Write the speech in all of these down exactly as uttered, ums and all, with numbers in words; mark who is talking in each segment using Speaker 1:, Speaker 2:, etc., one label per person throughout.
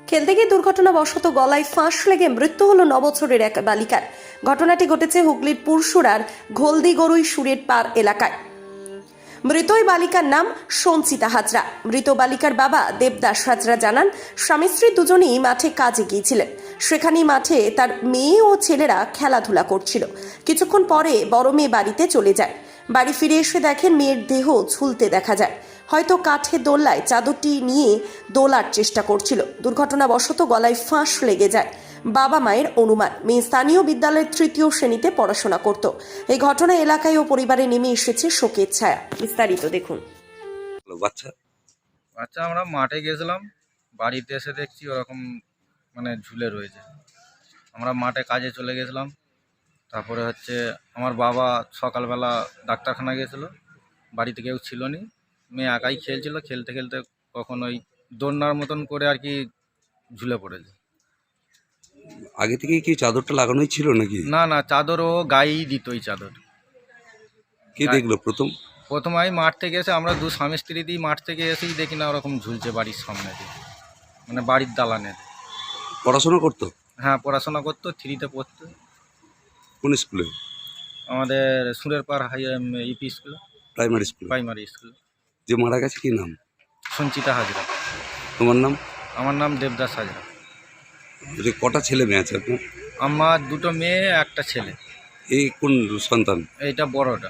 Speaker 1: খেলতে গিয়ে দুর্ঘটনাবশত গলায় ফাঁস লেগে মৃত্যু হলো ন বছরের এক বালিকার। ঘটনাটি ঘটেছে হুগলির পুরসুরার ঘোলদিগরুই সুরের পার এলাকায়। মৃত ওই বালিকার নাম সঞ্চিতা হাজরা। মৃত বালিকার বাবা দেবদাস হাজরা জানান, স্বামী স্ত্রী দুজনেই মাঠে কাজে গিয়েছিলেন। সেখানেই মাঠে তার মেয়ে ও ছেলেরা খেলাধুলা করছিল। কিছুক্ষণ পরে বড় মেয়ে বাড়িতে চলে যায়। বাড়ি ফিরে এসে দেখেন মেয়ের দেহ ঝুলতে দেখা যায়। হয়তো কাঠের দোলনায় চাদরটি নিয়ে দোলার চেষ্টা করছিল। দুর্ঘটনাবশত গলায় ফাঁস লেগে যায়। বাবা মায়ের অনুমান, মেয়ে স্থানীয় বিদ্যালয়ের তৃতীয় শ্রেণীতে পড়াশোনা করত। এই ঘটনা এলাকায় ও পরিবারে নেমে এসেছে শোকের ছায়া। বিস্তারিত দেখুন।
Speaker 2: বাচ্চা
Speaker 3: বাচ্চা আমরা মাঠে গেছিলাম, বাড়িতে এসে দেখছি ওরকম মানে ঝুলে রয়েছে। আমরা মাঠে কাজে চলে গেছিলাম। তারপরে হচ্ছে আমার বাবা সকালবেলা ডাক্তারখানা গেছিলো, বাড়িতে কেউ ছিল না, মেয়ে একাই খেলছিল। খেলতে খেলতে কখন ওই দোলনার মতন করে আর কি ঝুলে পড়েছে।
Speaker 2: আগে থেকেই কি চাদরটা লাগানোই ছিল নাকি?
Speaker 3: না না, চাদর ও গায়েই দিত। ওই চাদর
Speaker 2: কে দেখলো প্রথম?
Speaker 3: প্রথম আমি মাঠ থেকে এসে, আমরা দু স্বামী স্ত্রী দিয়ে মাঠ থেকে এসেই দেখি না ওরকম ঝুলছে বাড়ির সামনে দিয়ে, মানে বাড়ির দালানের।
Speaker 2: পড়াশোনা করতো?
Speaker 3: হ্যাঁ, পড়াশোনা করতো, থ্রিতে পড়তো।
Speaker 2: কোন স্কুলে?
Speaker 3: আমাদের সুরের পার high EP school,
Speaker 2: primary school.
Speaker 3: Primary school.
Speaker 2: যে মারা গেছে কি নাম?
Speaker 3: সঞ্চিতা হাজরা।
Speaker 2: তোমার নাম?
Speaker 3: আমার নাম দেবদাস হাজরা।
Speaker 2: যে কটা ছেলে মেয়ে আছে আপনার?
Speaker 3: আমার দুটো মেয়ে, একটা ছেলে।
Speaker 2: এই কোন সন্তান?
Speaker 3: এইটা বড়টা।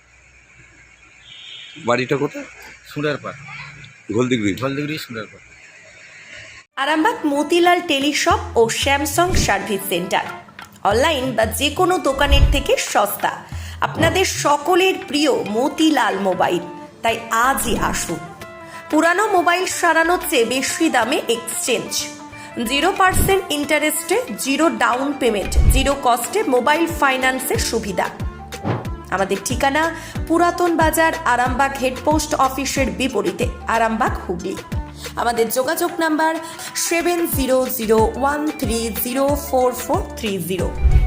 Speaker 2: বাড়িটা কোথায়?
Speaker 3: সুরের পার,
Speaker 2: ঘোলদিগরি।
Speaker 3: জলদিগড়ি সুরের পার।
Speaker 1: আরামবাগ মতিলাল টেলিশপ ও স্যামসাং সার্ভিস সেন্টার, অনলাইন বা যে কোনো দোকানের থেকে সস্তা। আপনাদের সকলের প্রিয় মতিলাল মোবাইল, তাই আজই আসুন। পুরানো মোবাইল সারানোর চেয়ে বেশি দামে এক্সচেঞ্জ, জিরো পার্সেন্ট ইন্টারেস্টে, জিরো ডাউন পেমেন্ট, জিরো কস্টে মোবাইল ফাইন্যান্সের সুবিধা। আমাদের ঠিকানা পুরাতন বাজার, আরামবাগ হেডপোস্ট অফিসের বিপরীতে, আরামবাগ, হুগলি। আমাদের যোগাযোগ number seven zero zero one three zero four four three zero.